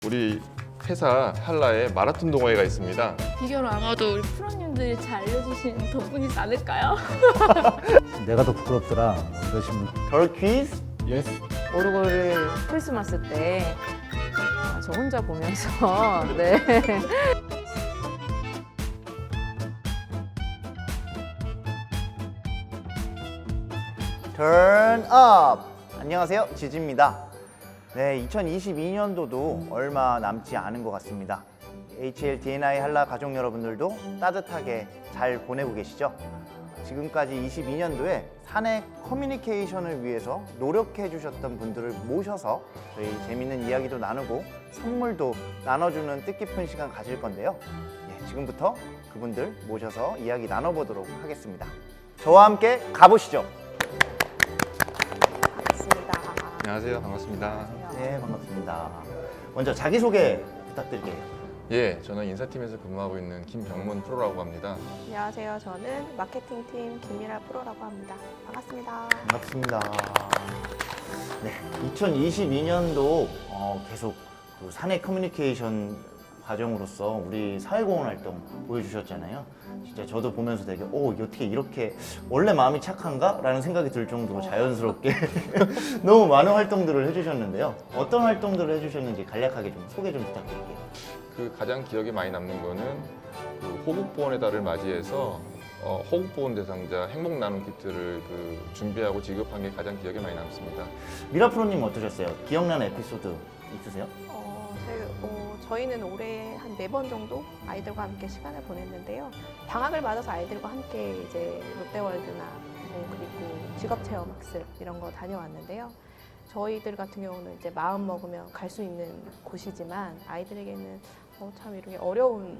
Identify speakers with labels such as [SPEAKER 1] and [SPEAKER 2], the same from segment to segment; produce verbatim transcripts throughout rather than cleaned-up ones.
[SPEAKER 1] 우리 회사 한라에 마라톤 동호회가 있습니다.
[SPEAKER 2] 비결은 아마도 우리 프로님들이 잘 알려주신 덕분이지 않을까요?
[SPEAKER 3] 내가 더 부끄럽더라. 뭐 이러시면
[SPEAKER 4] 덜 퀴즈?
[SPEAKER 1] 예스.
[SPEAKER 5] 오르골을 크리스마스 때 아, 저 혼자 보면서 네.
[SPEAKER 4] Turn up! 안녕하세요, 지지입니다. 네, 이천이십이 년도도 얼마 남지 않은 것 같습니다. 에이치엘 디엔아이 한라 가족 여러분들도 따뜻하게 잘 보내고 계시죠? 지금까지 이십이 년도에 사내 커뮤니케이션을 위해서 노력해 주셨던 분들을 모셔서 저희 재밌는 이야기도 나누고 선물도 나눠주는 뜻깊은 시간 가질 건데요. 예, 지금부터 그분들 모셔서 이야기 나눠보도록 하겠습니다. 저와 함께 가보시죠.
[SPEAKER 5] 반갑습니다.
[SPEAKER 1] 안녕하세요. 반갑습니다.
[SPEAKER 4] 네, 반갑습니다. 먼저 자기소개 부탁드릴게요.
[SPEAKER 1] 예, 저는 인사팀에서 근무하고 있는 김병문 프로라고 합니다.
[SPEAKER 6] 안녕하세요. 저는 마케팅팀 김미라 프로라고 합니다. 반갑습니다.
[SPEAKER 4] 반갑습니다. 네, 이천이십이 년도 어, 계속 그 사내 커뮤니케이션 과정으로서 우리 사회공헌 활동 보여주셨잖아요. 진짜 저도 보면서 되게 오, 어떻게 이렇게 원래 마음이 착한가? 라는 생각이 들 정도로 자연스럽게 너무 많은 활동들을 해주셨는데요. 어떤 활동들을 해주셨는지 간략하게 좀 소개 좀 부탁드릴게요.
[SPEAKER 1] 그 가장 기억에 많이 남는 거는 그 호국보훈의 달을 맞이해서 어, 호국보훈 대상자 행복 나눔 키트를 그 준비하고 지급한 게 가장 기억에 많이 남습니다.
[SPEAKER 4] 미라 프로님 어떠셨어요? 기억나는 에피소드 있으세요?
[SPEAKER 6] 어, 저희, 어, 저희는 올해 한 네 번 정도 아이들과 함께 시간을 보냈는데요. 방학을 맞아서 아이들과 함께 이제 롯데월드나 뭐 그리고 직업체험학습 이런 거 다녀왔는데요. 저희들 같은 경우는 이제 마음 먹으면 갈 수 있는 곳이지만 아이들에게는 어, 참 이렇게 어려운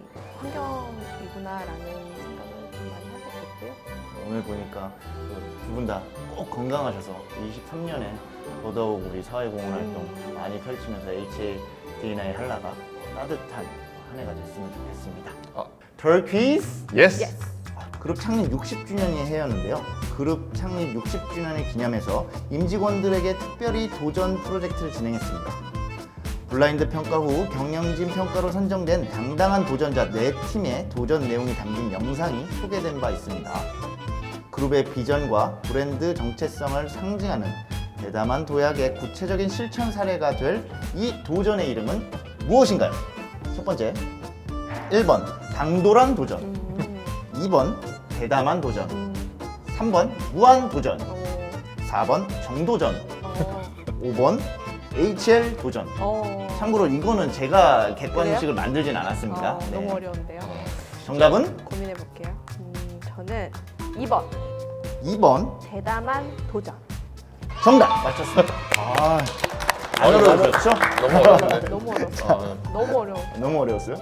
[SPEAKER 6] 환경이구나라는 생각을 좀 많이 하게 됐고요.
[SPEAKER 4] 오늘 보니까 두 분 다 꼭 건강하셔서 이십삼 년에 더더욱 우리 사회공헌 활동 많이 펼치면서 에이치엘 디엔아이 한라가 따뜻한 한 해가 됐으면 좋겠습니다.
[SPEAKER 1] 아.
[SPEAKER 4] 덜 퀴즈!
[SPEAKER 1] 예스.
[SPEAKER 6] 예스.
[SPEAKER 4] 그룹 창립 육십 주년이 해였는데요. 그룹 창립 육십 주년을 기념해서 임직원들에게 특별히 도전 프로젝트를 진행했습니다. 블라인드 평가 후 경영진 평가로 선정된 당당한 도전자 네 팀의 도전 내용이 담긴 영상이 소개된 바 있습니다. 그룹의 비전과 브랜드 정체성을 상징하는 대담한 도약의 구체적인 실천 사례가 될 이 도전의 이름은 무엇인가요? 첫 번째, 일 번 당돌한 도전,
[SPEAKER 6] 음,
[SPEAKER 4] 이 번 대담한 도전,
[SPEAKER 6] 음,
[SPEAKER 4] 삼 번 무한 도전,
[SPEAKER 6] 어,
[SPEAKER 4] 사 번 정도전,
[SPEAKER 6] 어,
[SPEAKER 4] 오 번 에이치엘 도전.
[SPEAKER 6] 어.
[SPEAKER 4] 참고로 이거는 제가 객관식을
[SPEAKER 6] 그래요?
[SPEAKER 4] 만들진 않았습니다.
[SPEAKER 6] 어,
[SPEAKER 4] 네.
[SPEAKER 6] 너무 어려운데요.
[SPEAKER 4] 정답은
[SPEAKER 6] 고민해 볼게요. 음, 저는 이 번
[SPEAKER 4] 이 번
[SPEAKER 6] 대담한 도전.
[SPEAKER 4] 정답 맞췄습니다. 아, 안
[SPEAKER 1] 아유,
[SPEAKER 4] 어려우셨죠?
[SPEAKER 1] 너무 어려운데.
[SPEAKER 6] 너무 어려웠어요.
[SPEAKER 1] 아,
[SPEAKER 6] 너무 어려워.
[SPEAKER 4] 너무 어려웠어요?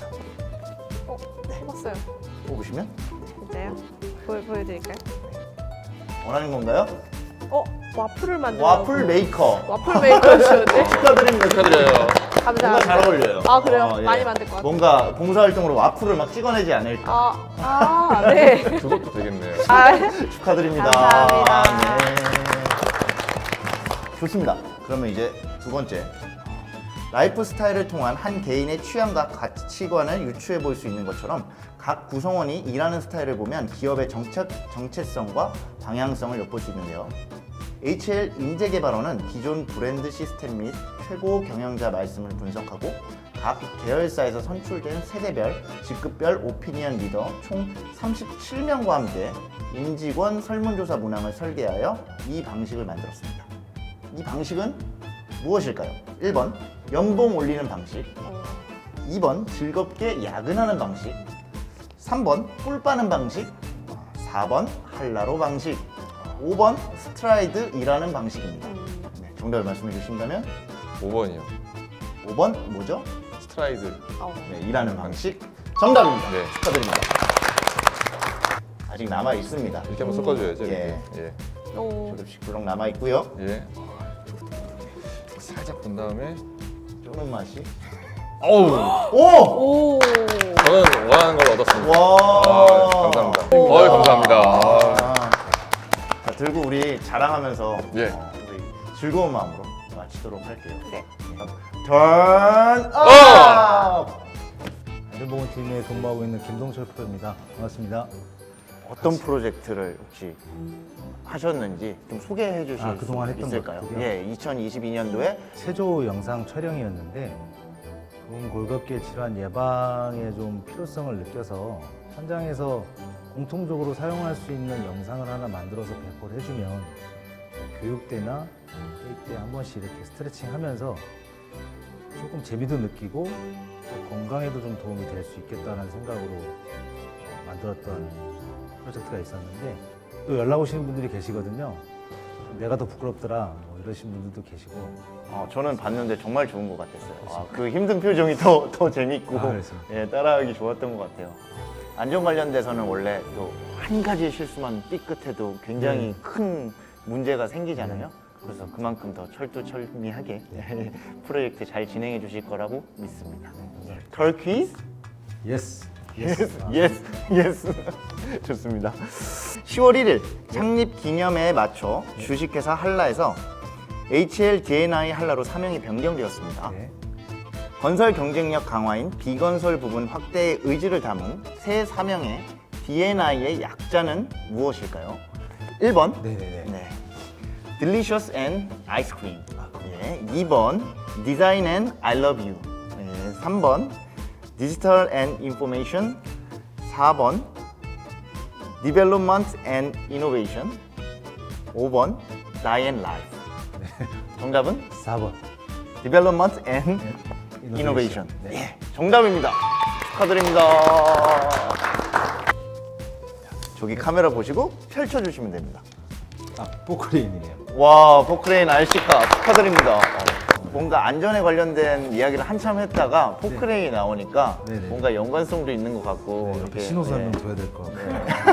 [SPEAKER 6] 어, 해봤어요.
[SPEAKER 4] 뽑으시면
[SPEAKER 6] 진짜요? 보여, 보여드릴까요?
[SPEAKER 4] 원하는 건가요?
[SPEAKER 6] 어, 와플을 만들어.
[SPEAKER 4] 와플 메이커.
[SPEAKER 6] 와플 메이커 주셨네.
[SPEAKER 4] 축하드립니다.
[SPEAKER 1] 축하드려요.
[SPEAKER 4] 뭔가
[SPEAKER 6] 감사합니다.
[SPEAKER 4] 잘 어울려요.
[SPEAKER 6] 아, 그래요?
[SPEAKER 4] 어, 예.
[SPEAKER 6] 많이 만들 것 같아요.
[SPEAKER 4] 뭔가 봉사활동으로 와플을 막 찍어내지 않을까.
[SPEAKER 6] 아, 아, 네.
[SPEAKER 1] 그것도 되겠네요.
[SPEAKER 6] 아,
[SPEAKER 4] 축하드립니다.
[SPEAKER 6] 감사합니다.
[SPEAKER 4] 네. 좋습니다. 그러면 이제 두 번째. 라이프 스타일을 통한 한 개인의 취향과 가치관을 유추해 볼 수 있는 것처럼 각 구성원이 일하는 스타일을 보면 기업의 정책, 정체성과 방향성을 엿볼 수 있는데요. 에이치엘 인재개발원은 기존 브랜드 시스템 및 최고 경영자 말씀을 분석하고 각 계열사에서 선출된 세대별, 직급별 오피니언 리더 총 삼십칠 명과 함께 임직원 설문조사 문항을 설계하여 이 방식을 만들었습니다. 이 방식은 무엇일까요? 일 번 연봉 올리는 방식,
[SPEAKER 6] 어,
[SPEAKER 4] 이 번 즐겁게 야근하는 방식, 삼 번 꿀 빠는 방식, 사 번 한라로 방식, 오 번 스트라이드 일하는 방식입니다.
[SPEAKER 6] 음,
[SPEAKER 4] 네, 정답을 말씀해 주신다면
[SPEAKER 1] 오 번이요.
[SPEAKER 4] 오 번 뭐죠?
[SPEAKER 1] 스트라이드.
[SPEAKER 6] 어.
[SPEAKER 4] 네, 일하는 방식 정답입니다.
[SPEAKER 1] 네.
[SPEAKER 4] 축하드립니다. 아직 남아 있습니다.
[SPEAKER 1] 이렇게 한번 섞어줘야죠. 이렇게.
[SPEAKER 4] 예.
[SPEAKER 1] 예.
[SPEAKER 6] 오.
[SPEAKER 4] 조금씩 블럭 남아 있고요.
[SPEAKER 1] 예. 살짝 본 다음에.
[SPEAKER 4] 쪼는 맛이.
[SPEAKER 1] 어우.
[SPEAKER 4] 오!
[SPEAKER 6] 오.
[SPEAKER 1] 저는 원하는 걸 얻었습니다.
[SPEAKER 4] 와!
[SPEAKER 1] 아, 감사합니다.
[SPEAKER 6] 오.
[SPEAKER 1] 어이, 감사합니다.
[SPEAKER 4] 아. 자, 들고 우리 자랑하면서
[SPEAKER 1] 예.
[SPEAKER 4] 어, 우리 즐거운 마음으로 마치도록 할게요.
[SPEAKER 6] 네.
[SPEAKER 4] 턴
[SPEAKER 1] 어!
[SPEAKER 4] 업!
[SPEAKER 3] 안전보건팀에 근무하고 있는 김동철 프로입니다. 반갑습니다.
[SPEAKER 4] 어떤 프로젝트를 혹시 하셨는지 좀 소개해 주실
[SPEAKER 3] 아, 그동안
[SPEAKER 4] 수
[SPEAKER 3] 했던
[SPEAKER 4] 있을까요?
[SPEAKER 3] 것들이요?
[SPEAKER 4] 예, 이천이십이 년도에
[SPEAKER 3] 체조 영상 촬영이었는데 좋은 골격계 질환 예방에 좀 필요성을 느껴서 현장에서 공통적으로 사용할 수 있는 영상을 하나 만들어서 배포를 해주면 교육대나 회의 때 한 번씩 이렇게 스트레칭 하면서 조금 재미도 느끼고 또 건강에도 좀 도움이 될 수 있겠다는 생각으로 만들었던 프로젝트가 있었는데 또 연락 오시는 분들이 계시거든요. 내가 더 부끄럽더라 뭐 이러신 분들도 계시고.
[SPEAKER 4] 어, 저는 봤는데 정말 좋은 것 같았어요. 아, 그 힘든 표정이 더, 더 재밌고
[SPEAKER 3] 아, 그렇습니다.
[SPEAKER 4] 예, 따라하기 좋았던 것 같아요. 안전 관련돼서는 원래 또 한 가지 실수만 삐끗해도 굉장히
[SPEAKER 3] 네.
[SPEAKER 4] 큰 문제가 생기잖아요. 그래서 그만큼 더 철두철미하게 프로젝트 잘 진행해 주실 거라고 믿습니다. 털 퀴즈?
[SPEAKER 3] 예스.
[SPEAKER 4] 예스, 예스, 예스. 좋습니다. 시월 일일 창립 기념회에 맞춰 주식회사 한라에서 에이치엘디엔아이 한라로 사명이 변경되었습니다.
[SPEAKER 3] 네.
[SPEAKER 4] 건설 경쟁력 강화인 비건설 부분 확대의 의지를 담은 새 사명의 디엔아이의 약자는 무엇일까요? 일 번
[SPEAKER 3] 네네네.
[SPEAKER 4] 네. Delicious and Ice Cream. 예. 이 번 Design and I Love You. 예. 삼 번 Digital and Information. 사 번 Development and Innovation. 오 번 Die and Life. 정답은
[SPEAKER 3] 사 번.
[SPEAKER 4] Development and Innovation.
[SPEAKER 3] 네.
[SPEAKER 4] 예, 정답입니다. 축하드립니다. 저기 카메라 보시고 펼쳐주시면 됩니다.
[SPEAKER 3] 아, 포크레인이네요.
[SPEAKER 4] 와, 포크레인 알씨카 축하드립니다. 어, 뭔가 안전에 관련된 이야기를 한참 했다가 포크레인이 나오니까
[SPEAKER 3] 네네.
[SPEAKER 4] 뭔가 연관성도 있는 것 같고
[SPEAKER 3] 네,
[SPEAKER 4] 이렇게,
[SPEAKER 3] 옆에 신호선을
[SPEAKER 4] 네.
[SPEAKER 3] 둬야 될 것 같고.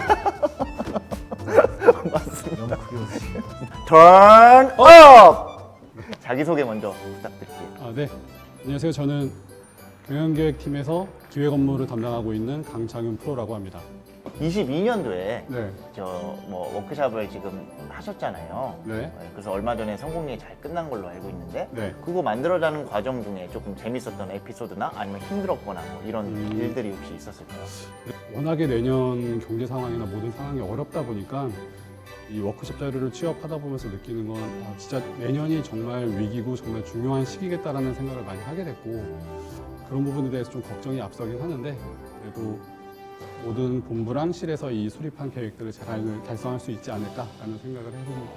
[SPEAKER 4] 맞습니다.
[SPEAKER 3] 너무 크게 웃으시네요.
[SPEAKER 4] Turn up! 자기소개 먼저 부탁드릴게요.
[SPEAKER 7] 아, 네. 안녕하세요. 저는 경영기획팀에서 기획 업무를 담당하고 있는 강창윤 프로라고 합니다.
[SPEAKER 4] 이십이 년도에
[SPEAKER 7] 네.
[SPEAKER 4] 저 뭐 워크숍을 지금 하셨잖아요.
[SPEAKER 7] 네.
[SPEAKER 4] 그래서 얼마 전에 성공리에 잘 끝난 걸로 알고 있는데
[SPEAKER 7] 네.
[SPEAKER 4] 그거 만들어가는 과정 중에 조금 재밌었던 에피소드나 아니면 힘들었거나 뭐 이런
[SPEAKER 7] 음.
[SPEAKER 4] 일들이 혹시 있었을까요?
[SPEAKER 7] 워낙에 내년 경제 상황이나 모든 상황이 어렵다 보니까 이 워크숍 자료를 취업하다 보면서 느끼는 건 아, 진짜 내년이 정말 위기고 정말 중요한 시기겠다라는 생각을 많이 하게 됐고 그런 부분에 대해서 좀 걱정이 앞서긴 하는데 그래도 모든 본부랑 실에서 이 수립한 계획들을 잘 달성할 수 있지 않을까라는 생각을 해봅니다.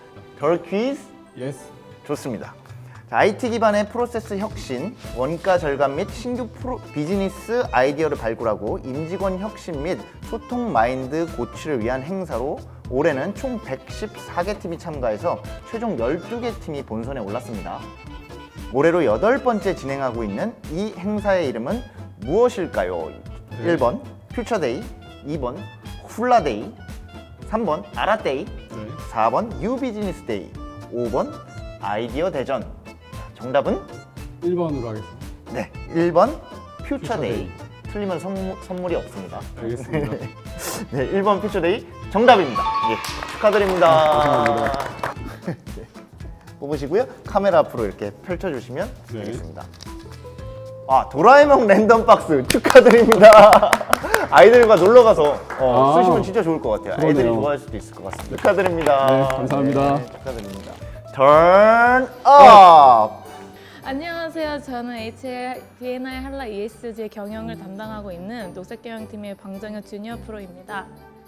[SPEAKER 4] 별 퀴즈
[SPEAKER 7] 예스.
[SPEAKER 4] 좋습니다. 자, 아이티 기반의 프로세스 혁신, 원가 절감 및 신규 프로, 비즈니스 아이디어를 발굴하고 임직원 혁신 및 소통 마인드 고취를 위한 행사로 올해는 총 백십사 개 팀이 참가해서 최종 열두 개 팀이 본선에 올랐습니다. 올해로 여덟 번째 진행하고 있는 이 행사의 이름은 무엇일까요?
[SPEAKER 7] 네.
[SPEAKER 4] 일 번 퓨처데이, 이 번 훌라데이, 삼 번 아라데이,
[SPEAKER 7] 네.
[SPEAKER 4] 사 번 뉴비즈니스 데이, 오 번 아이디어 대전. 정답은
[SPEAKER 7] 일 번으로 하겠습니다.
[SPEAKER 4] 네, 일 번 퓨처데이.
[SPEAKER 7] 퓨처데이.
[SPEAKER 4] 틀리면 선물, 선물이 없습니다.
[SPEAKER 7] 알겠습니다.
[SPEAKER 4] 네, 일 번 퓨처데이 정답입니다. 예, 축하드립니다.
[SPEAKER 7] 감사합니다.
[SPEAKER 4] 네, 뽑으시고요. 카메라 앞으로 이렇게 펼쳐주시면
[SPEAKER 7] 네.
[SPEAKER 4] 되겠습니다. 아, 도라에몽 랜덤 박스 축하드립니다. 아이들과 놀러 가서 어,
[SPEAKER 7] 아,
[SPEAKER 4] 쓰시면 진짜 좋을 것 같아요. 아이들이
[SPEAKER 7] 그러네요.
[SPEAKER 4] 좋아할 수도 있을 것 같습니다. 축하드립니다.
[SPEAKER 7] 네, 감사합니다.
[SPEAKER 4] 네, 축하드립니다. Turn up.
[SPEAKER 2] 안녕하세요. 저는 에이치엘디엔아이 한라 이에스지 경영을 담당하고 있는 녹색경영팀의 방정현 주니어 프로입니다.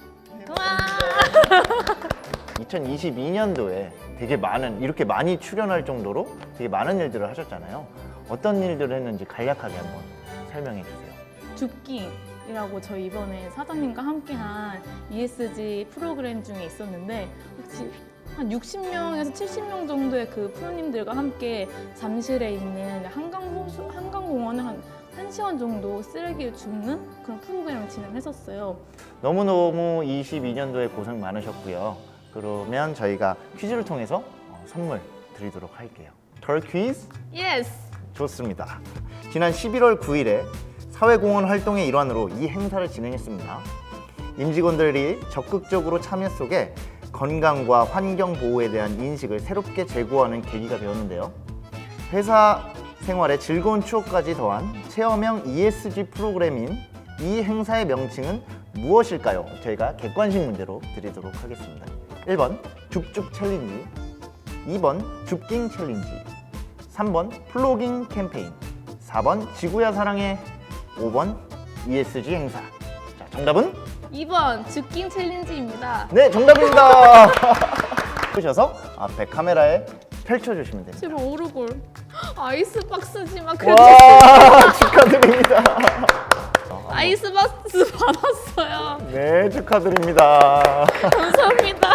[SPEAKER 2] 와!
[SPEAKER 4] 이천이십이 년도에 되게 많은 이렇게 많이 출연할 정도로 되게 많은 일들을 하셨잖아요. 어떤 일들을 했는지 간략하게 한번 설명해 주세요.
[SPEAKER 2] 줍기라고 저희 이번에 사장님과 함께한 이에스지 프로그램 중에 있었는데 혹시 한 육십 명에서 칠십 명 정도의 그 프로님들과 함께 잠실에 있는 한강호수, 한강공원을 한 1시간 정도 쓰레기를 줍는 그런 프로그램을 진행했었어요.
[SPEAKER 4] 너무너무 이십이 년도에 고생 많으셨고요. 그러면 저희가 퀴즈를 통해서 어, 선물 드리도록 할게요. 털 퀴즈?
[SPEAKER 2] 예스!
[SPEAKER 4] 좋습니다. 지난 십일월 구일에 사회공헌 활동의 일환으로 이 행사를 진행했습니다. 임직원들이 적극적으로 참여 속에 건강과 환경 보호에 대한 인식을 새롭게 제고하는 계기가 되었는데요. 회사 생활에 즐거운 추억까지 더한 체험형 이에스지 프로그램인 이 행사의 명칭은 무엇일까요? 저희가 객관식 문제로 드리도록 하겠습니다. 일 번 줍줍 챌린지, 이 번 줍깅 챌린지, 삼 번 플로깅 캠페인, 사 번 지구야 사랑해, 오 번 이에스지 행사. 자, 정답은?
[SPEAKER 2] 이 번 줍깅 챌린지입니다.
[SPEAKER 4] 네, 정답입니다. 보셔서 앞에 카메라에 펼쳐주시면 됩니다.
[SPEAKER 2] 제발 오르골. 아이스박스지만 그래도
[SPEAKER 4] 와, 축하드립니다.
[SPEAKER 2] 아이스박스 받았어요.
[SPEAKER 4] 네, 축하드립니다.
[SPEAKER 2] 감사합니다.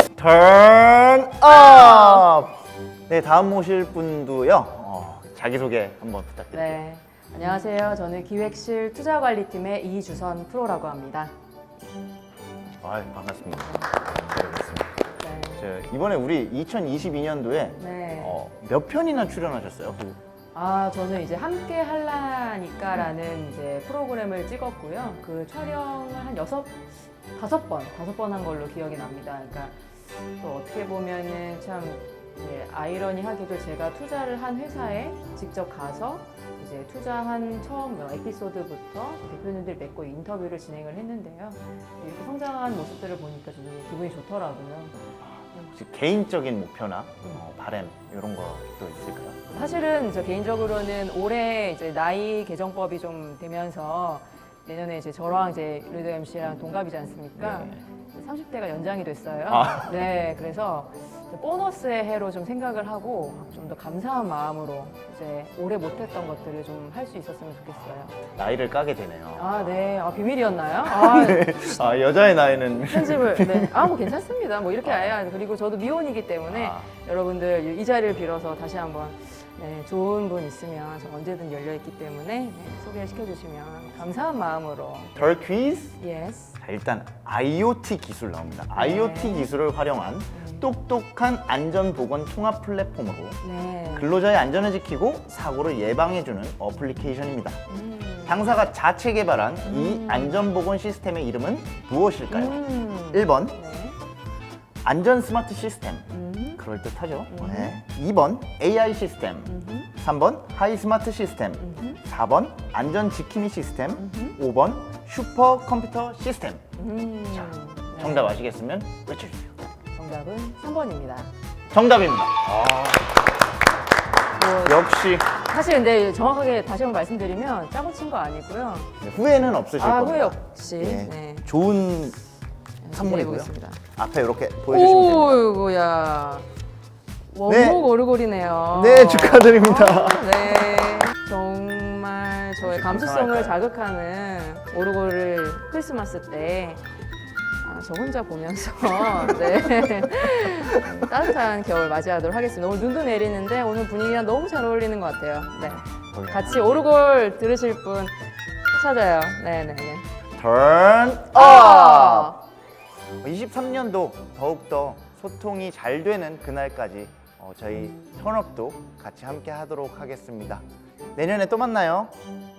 [SPEAKER 4] 턴 업! 네, 다음 모실 분도요. 어, 자기소개 한번 부탁드릴게요.
[SPEAKER 5] 네. 안녕하세요. 저는 기획실 투자관리팀의 이주선 프로라고 합니다.
[SPEAKER 4] 아, 반갑습니다. 반갑습니다.
[SPEAKER 5] 네.
[SPEAKER 4] 저, 이번에 우리 이천이십이 년도에
[SPEAKER 5] 네.
[SPEAKER 4] 어, 몇 편이나 출연하셨어요?
[SPEAKER 5] 아, 저는 이제 함께 할라니까라는 이제 프로그램을 찍었고요. 그 촬영을 한 여섯, 다섯 번, 다섯 번 한 걸로 기억이 납니다. 그러니까 또 어떻게 보면은 참 이제 아이러니하게도 제가 투자를 한 회사에 직접 가서 이제 투자한 처음 에피소드부터 대표님들 맺고 인터뷰를 진행을 했는데요. 이렇게 성장한 모습들을 보니까 좀 기분이 좋더라고요.
[SPEAKER 4] 혹시 개인적인 목표나 어, 바램 이런 것도 있을까요?
[SPEAKER 5] 사실은 저 개인적으로는 올해 이제 나이 개정법이 좀 되면서 내년에 이제 저랑 이제 르드 엠씨랑 동갑이지 않습니까?
[SPEAKER 4] 네.
[SPEAKER 5] 삼십 대가 연장이 됐어요.
[SPEAKER 4] 아.
[SPEAKER 5] 네, 그래서 보너스의 해로 좀 생각을 하고 좀 더 감사한 마음으로 이제 올해 못했던 것들을 좀 할 수 있었으면 좋겠어요.
[SPEAKER 4] 나이를 까게 되네요.
[SPEAKER 5] 아, 네. 아, 비밀이었나요? 아,
[SPEAKER 4] 아, 여자의 나이는
[SPEAKER 5] 편집을. 네. 아, 뭐 괜찮습니다. 뭐 이렇게 아야. 그리고 저도 미혼이기 때문에
[SPEAKER 4] 아.
[SPEAKER 5] 여러분들 이 자리를 빌어서 다시 한번 네, 좋은 분 있으면 저 언제든 열려 있기 때문에 네, 소개를 시켜주시면 감사한 마음으로.
[SPEAKER 4] 덜 퀴즈?
[SPEAKER 5] 예스.
[SPEAKER 4] 자, 일단 아이오티 기술 나옵니다. 아이오티 기술을 활용한
[SPEAKER 5] 음.
[SPEAKER 4] 똑똑한 안전보건 통합 플랫폼으로
[SPEAKER 5] 네.
[SPEAKER 4] 근로자의 안전을 지키고 사고를 예방해주는 어플리케이션입니다.
[SPEAKER 5] 음.
[SPEAKER 4] 당사가 자체 개발한 이
[SPEAKER 5] 음.
[SPEAKER 4] 안전보건 시스템의 이름은 무엇일까요?
[SPEAKER 5] 음.
[SPEAKER 4] 일 번
[SPEAKER 5] 네.
[SPEAKER 4] 안전 스마트 시스템,
[SPEAKER 5] 음.
[SPEAKER 4] 그럴듯하죠.
[SPEAKER 5] 음.
[SPEAKER 4] 네. 이 번 에이아이 시스템,
[SPEAKER 5] 음흠.
[SPEAKER 4] 삼 번 하이 스마트 시스템,
[SPEAKER 5] 음흠.
[SPEAKER 4] 사 번 안전 지킴이 시스템,
[SPEAKER 5] 음흠.
[SPEAKER 4] 오 번 슈퍼 컴퓨터 시스템.
[SPEAKER 5] 음.
[SPEAKER 4] 자,
[SPEAKER 5] 네.
[SPEAKER 4] 정답 아시겠으면 외쳐주세요.
[SPEAKER 5] 정답은 삼 번입니다.
[SPEAKER 4] 정답입니다.
[SPEAKER 5] 뭐
[SPEAKER 4] 역시
[SPEAKER 5] 사실 근데 정확하게 다시 한번 말씀드리면 짜고 친 거 아니고요.
[SPEAKER 4] 후회는 없으실
[SPEAKER 5] 아,
[SPEAKER 4] 겁니다.
[SPEAKER 5] 후회 없이.
[SPEAKER 4] 예.
[SPEAKER 5] 네.
[SPEAKER 4] 좋은 선물이고요.
[SPEAKER 5] 보겠습니다.
[SPEAKER 4] 앞에 이렇게 보여주시면 됩니다.
[SPEAKER 5] 오이고야. 원목 오르골이네요.
[SPEAKER 4] 네, 축하드립니다.
[SPEAKER 5] 아, 네. 정말 저의
[SPEAKER 4] 혹시
[SPEAKER 5] 감수성을
[SPEAKER 4] 감상할까요?
[SPEAKER 5] 자극하는 오르골을 크리스마스 때 아, 저 혼자 보면서 네. 따뜻한 겨울 맞이하도록 하겠습니다. 오늘 눈도 내리는데 오늘 분위기랑 너무 잘 어울리는 것 같아요. 네. 같이 오르골 들으실 분 찾아요. 네네네.
[SPEAKER 4] 턴 업!
[SPEAKER 5] 아!
[SPEAKER 4] 이십삼 년도 더욱더 소통이 잘 되는 그날까지 어, 저희 턴업도 같이 함께 하도록 하겠습니다. 내년에 또 만나요.